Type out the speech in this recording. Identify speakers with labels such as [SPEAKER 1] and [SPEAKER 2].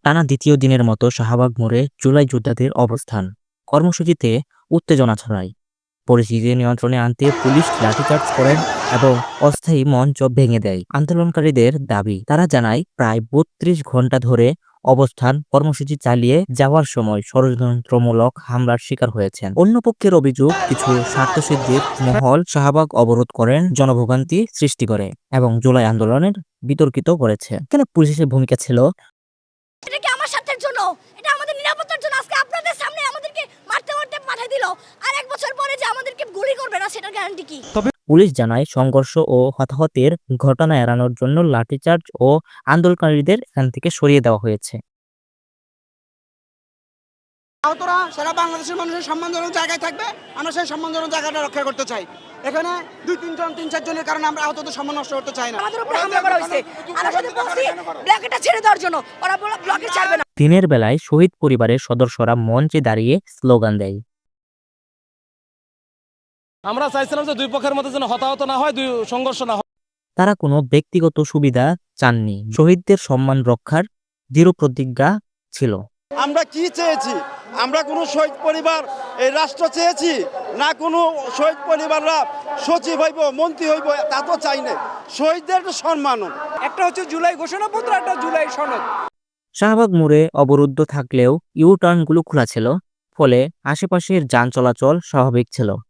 [SPEAKER 1] টানা দ্বিতীয় দিনের মতো শাহবাগ মোড়ে জুলাই যোদ্ধাদের অবস্থান কর্মসূচিতে উত্তেজনা ছড়ায়। পরিস্থিতি নিয়ন্ত্রণে আনতে পুলিশ লাঠিচার্জ করেন এবং অস্থায়ী মঞ্চ ভেঙে দেয়। আন্দোলনকারীদের দাবি, তারা জানায় প্রায় ৩২ ঘন্টা ধরে অবস্থান কর্মসূচি চালিয়ে যাওয়ার সময় ষড়যন্ত্রমূলক হামলার শিকার হয়েছেন। অন্য পক্ষের অভিযোগ, কিছু স্বার্থসিদ্ধির মহল শাহবাগ অবরোধ করেন, জনভোগান্তি সৃষ্টি করে এবং জুলাই আন্দোলনের বিতর্কিত করেছে। কেন পুলিশের ভূমিকা ছিল?
[SPEAKER 2] এটা কি আমার স্বার্থের জন্য? এটা আমাদের নিরাপত্তার জন্য। আজকে আপনাদের সামনে আমাদেরকে মারতে পাঠিয়ে দিল, আর ১ বছর পরে যে আমাদেরকে গুলি করবে না সেটার গ্যারান্টি কি?
[SPEAKER 1] পুলিশ জানায় সংঘর্ষ ও হতাহতের ঘটনা এড়ানোর জন্য লাঠিচার্জ ও আন্দোলনকারীদের এখান থেকে সরিয়ে দেওয়া হয়েছে।
[SPEAKER 3] আহতরা সারা বাংলাদেশের মানুষের সম্মানজনক জায়গায় থাকবে, আমরা সেই সম্মানজনক জায়গাটা রক্ষা করতে চাই। এখানে ২-৩ জন ৩-৪ জনের কারণে আমরা আহতদের সম্মান নষ্ট করতে চাই না।
[SPEAKER 2] আমাদের উপরে হামলা করা হয়েছে, আমরা শুধু বলছি ব্ল্যাকেটটা ছেড়ে দেওয়ার জন্য, ওরা ব্লকে ছাড়বে না।
[SPEAKER 1] দিনের বেলায় শহীদ পরিবারের সদস্যরা মঞ্চে দাঁড়িয়ে স্লোগান দেয়।
[SPEAKER 4] আমরা চাইছিলাম যে দুই পক্ষের মধ্যে যেন হতাহত না হয়, দুই সংঘর্ষ না হয়।
[SPEAKER 1] তারা কোনো ব্যক্তিগত সুবিধা চাননি, শহীদদের সম্মান রক্ষার দৃঢ় প্রতিজ্ঞা ছিল।
[SPEAKER 5] আমরা কি চেয়েছি? আমরা কোনো শহীদ পরিবার এই রাষ্ট্র চেয়েছি না? কোনো শহীদ পরিবাররা সচিব হইব, মন্ত্রী হইব, তা তো চাই না। শহীদদের সম্মান।
[SPEAKER 3] একটা হচ্ছে জুলাই ঘোষণাপত্র, একটা জুলাই সনদ।
[SPEAKER 1] শাহবাগ মোড়ে অবরুদ্ধ থাকলেও ইউ টার্নগুলো খোলা ছিল, ফলে আশেপাশের যান চলাচল স্বাভাবিক ছিল।